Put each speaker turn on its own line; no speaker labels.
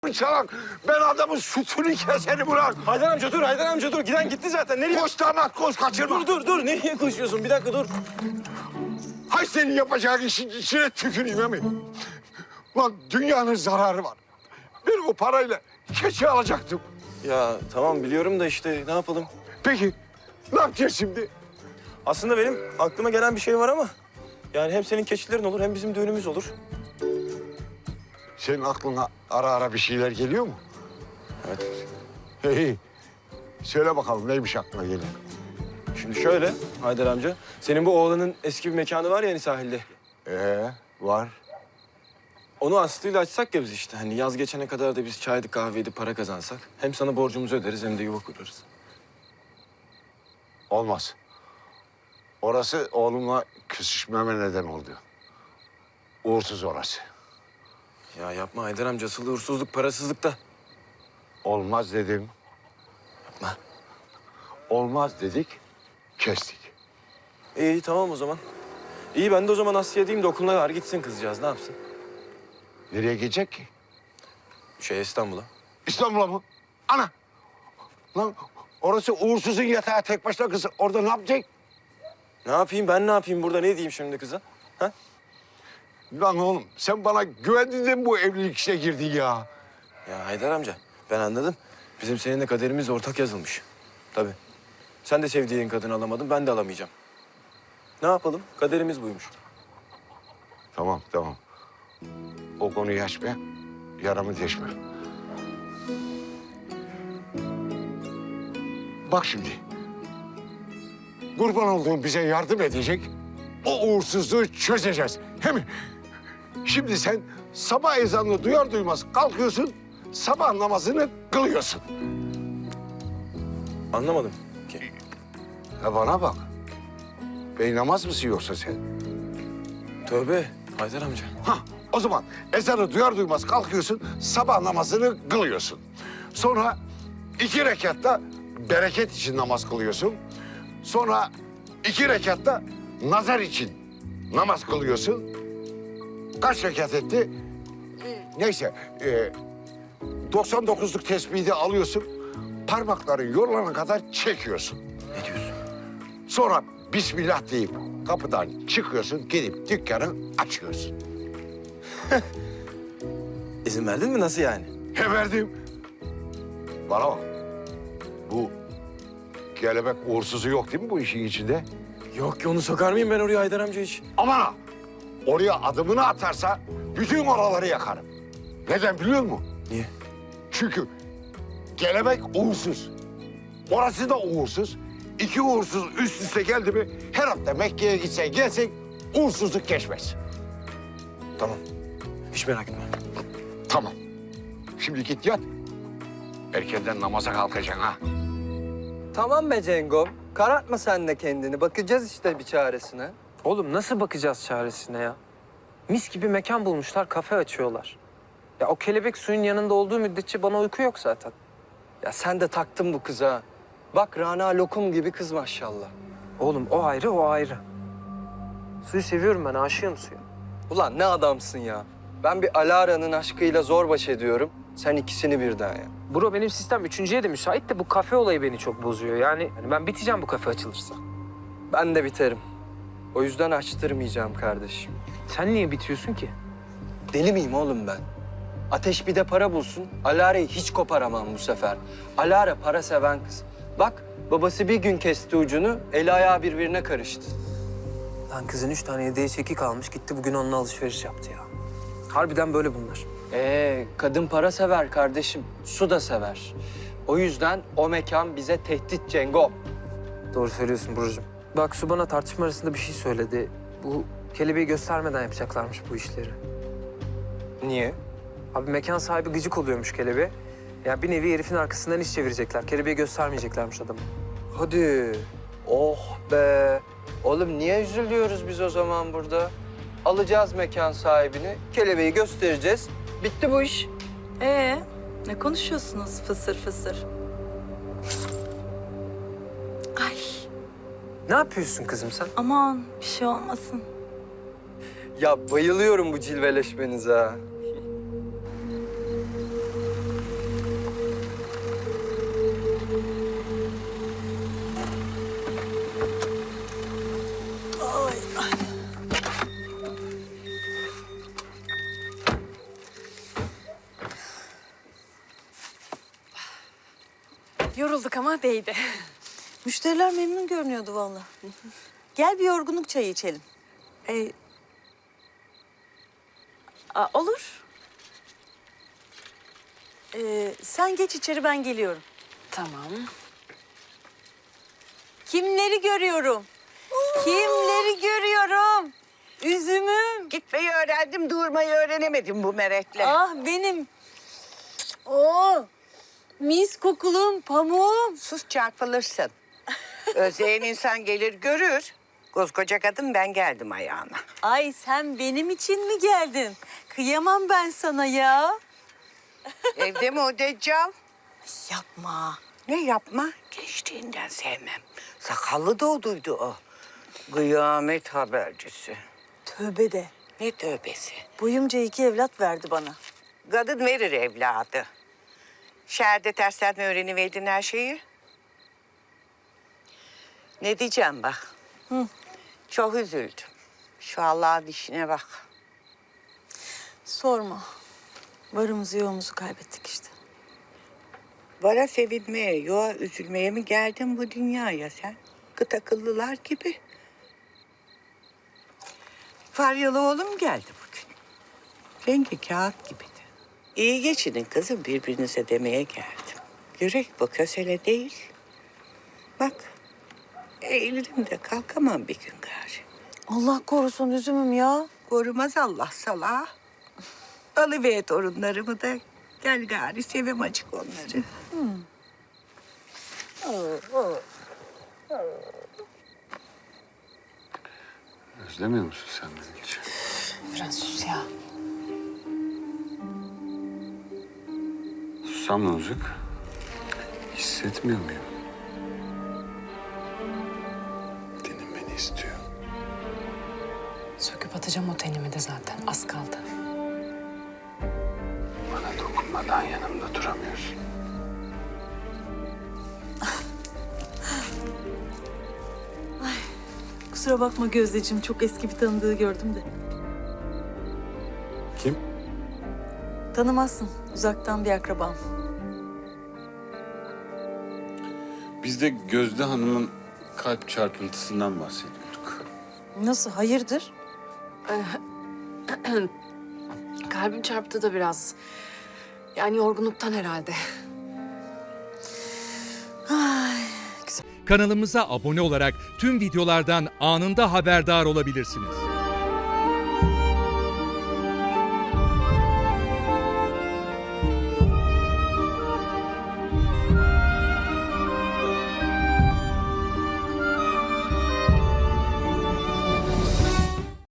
çalak. Ben adamın sütünü keserim ulan.
Haydar amca dur, Haydar amca dur. Giden gitti zaten. Nereye?
Koş damat koş kaçırma.
Dur. Nereye koşuyorsun? Bir dakika dur.
Hay senin yapacağın işin içine tüküreyim emin. Lan dünyanın zararı var. Ben o parayla keçi alacaktım.
Ya tamam biliyorum da işte ne yapalım?
Peki ne yapacağız şimdi?
Aslında benim aklıma gelen bir şey var ama... Yani hem senin keçilerin olur hem bizim düğünümüz olur.
Senin aklına ara ara bir şeyler geliyor mu?
Evet.
Hey, söyle bakalım neymiş aklına gelen?
Şimdi şöyle Haydar amca. Senin bu oğlanın eski bir mekanı var ya hani sahilde.
Var.
Onu Aslı'yla açsak ya biz işte. Hani yaz geçene kadar da biz çaydı kahveydi para kazansak. Hem sana borcumuzu öderiz hem de yuva kurarız.
Olmaz. Orası oğlumla küsüşmeme neden oldu. Uğursuz orası.
Ya yapma Haydar amca. Asıl uğursuzluk parasızlıkta.
Olmaz dedim.
Yapma.
Olmaz dedik, kestik.
İyi tamam o zaman. İyi ben de o zaman Aslı'ya diyeyim de okuluna var gitsin kızcağız. Ne yapsın?
Nereye gidecek ki?
İstanbul'a.
İstanbul'a mı? Ana! Lan orası uğursuzun yatağı tek başına kızı. Orada ne yapacak?
Ne yapayım ben ne yapayım burada ne diyeyim şimdi kıza? Ha?
Lan oğlum sen bana güvendin de mi bu evlilik işine girdin ya?
Ya Haydar amca ben anladım. Bizim seninle kaderimiz ortak yazılmış. Tabii. Sen de sevdiğin kadını alamadın ben de alamayacağım. Ne yapalım? Kaderimiz buymuş.
Tamam. O konuyu açma. Yaramı deşme. Bak şimdi. Kurban olduğum bize yardım edecek. O uğursuzluğu çözeceğiz. Hem şimdi sen sabah ezanını duyar duymaz kalkıyorsun. Sabah namazını kılıyorsun.
Anlamadım ki.
Ya bana bak. Beynamaz mısın yoksa sen?
Tövbe Haydar amca.
Hah, o zaman ezanı duyar duymaz kalkıyorsun, sabah namazını kılıyorsun. Sonra 2 rekatta bereket için namaz kılıyorsun. Sonra 2 rekatta nazar için namaz kılıyorsun. Kaç rekat etti? Neyse, 99'luk tesbihi de alıyorsun. Parmakların yorulana kadar çekiyorsun.
Ne diyorsun?
Sonra Bismillah deyip kapıdan çıkıyorsun, gidip dükkanı açıyorsun.
İzin verdin mi nasıl yani?
He verdim. Bana bak. Bu kelebek uğursuzu yok değil mi bu işin içinde?
Yok ki onu sokar mıyım ben oraya Haydar amca hiç?
Aman ha! Oraya adımını atarsa bütün oraları yakarım. Neden biliyor musun?
Niye?
Çünkü kelebek uğursuz. Orası da uğursuz. 2 uğursuz üst üste geldi mi her hafta Mekke'ye gitsen gelsen uğursuzluk geçmez.
Tamam. Hiç merak etme.
Tamam. Şimdi git yat. Erkenden namaza kalkacaksın ha.
Tamam be Cengo. Karartma sen de kendini. Bakacağız işte bir çaresine.
Oğlum nasıl bakacağız çaresine ya? Mis gibi mekan bulmuşlar, kafe açıyorlar. Ya o kelebek suyun yanında olduğu müddetçe bana uyku yok zaten.
Ya sen de taktın bu kıza. Bak Rana lokum gibi kız maşallah.
Oğlum o ayrı, o ayrı. Suyu seviyorum ben, aşığım suya.
Ulan ne adamsın ya. Ben bir Alara'nın aşkıyla zor baş ediyorum. Sen ikisini birden ya.
Bro benim sistem üçüncüye de müsait de bu kafe olayı beni çok bozuyor. Yani ben biteceğim bu kafe açılırsa.
Ben de biterim. O yüzden açtırmayacağım kardeşim.
Sen niye bitiyorsun ki?
Deli miyim oğlum ben? Ateş bir de para bulsun. Alara'yı hiç koparamam bu sefer. Alara para seven kız. Bak babası bir gün kesti ucunu, eli ayağı birbirine karıştı.
Lan kızın 3 tane hediye çeki kalmış, gitti bugün onunla alışveriş yaptı ya. Harbiden böyle bunlar.
Kadın para sever kardeşim. Su da sever. O yüzden o mekan bize tehdit Cengo.
Doğru söylüyorsun Burcu'cum. Bak Su bana tartışma arasında bir şey söyledi. Bu kelebeği göstermeden yapacaklarmış bu işleri.
Niye?
Abi mekan sahibi gıcık oluyormuş kelebeğe. Yani bir nevi herifin arkasından iş çevirecekler. Kelebeği göstermeyeceklermiş adamı.
Hadi. Oh be. Oğlum niye üzülüyoruz biz o zaman burada? Alacağız mekan sahibini, kelebeği göstereceğiz. Bitti bu iş.
Ne konuşuyorsunuz fısır fısır? Ay
Ne yapıyorsun kızım sen?
aman bir şey olmasın.
Ya, Ya bayılıyorum bu cilveleşmenize ha.
Yorulduk ama değdi.
Müşteriler memnun görünüyordu vallahi. Gel bir yorgunluk çayı içelim.
Olur.
Sen geç içeri, ben geliyorum.
Tamam.
Kimleri görüyorum? Kimleri görüyorum? Üzümüm.
Gitmeyi öğrendim, durmayı öğrenemedim bu merekle.
Ah benim. Oo. Mis kokulum, pamuğum.
Sus çarpılırsın. Özleyen insan gelir görür. Koskoca kadın ben geldim ayağına.
Ay sen benim için mi geldin? Kıyamam ben sana ya.
Evde mi o deccal?
Yapma.
Ne yapma? Gençliğinden sevmem. Sakallı doğduydu o. Kıyamet habercisi.
Tövbe de.
Ne tövbesi.
Boyumca 2 evlat verdi bana.
Kadın verir evladı. Şehirde tersten mi öğreniverdin her şeyi? Ne diyeceğim bak. Çok üzüldüm. Şu Allah'ın işine bak.
Sorma. Varımızı yoğumuzu kaybettik işte.
Vara sevinmeye, yoğa üzülmeye mi geldin bu dünyaya sen? Kıt akıllılar gibi. Faryalı oğlum geldi bugün. Rengi kağıt gibiydi. İyi geçinin kızım birbirinize demeye geldim. Yürek bu kösele değil. Bak, eğilirim de kalkamam bir gün gari.
Allah korusun üzümüm ya.
Korumaz Allah salağı. Alıver torunlarımı da gel gari sevim acık onları.
Özlemiyor musun sen beni hiç?
Biraz sus ya.
Sussam ne olacak? Hissetmiyor muyum? Tenim beni istiyor.
Söküp atacağım o tenimi de zaten. Az kaldı.
Bana dokunmadan yanımda duramıyorsun.
Kusura bakma Gözdeciğim, çok eski bir tanıdığı gördüm de.
Kim?
Tanımazsın, uzaktan bir akrabam.
Biz de Gözde Hanım'ın kalp çarpıntısından bahsediyorduk.
Nasıl, hayırdır?
Kalbim çarptı da biraz. Yani yorgunluktan herhalde.
Kanalımıza abone olarak tüm videolardan anında haberdar olabilirsiniz.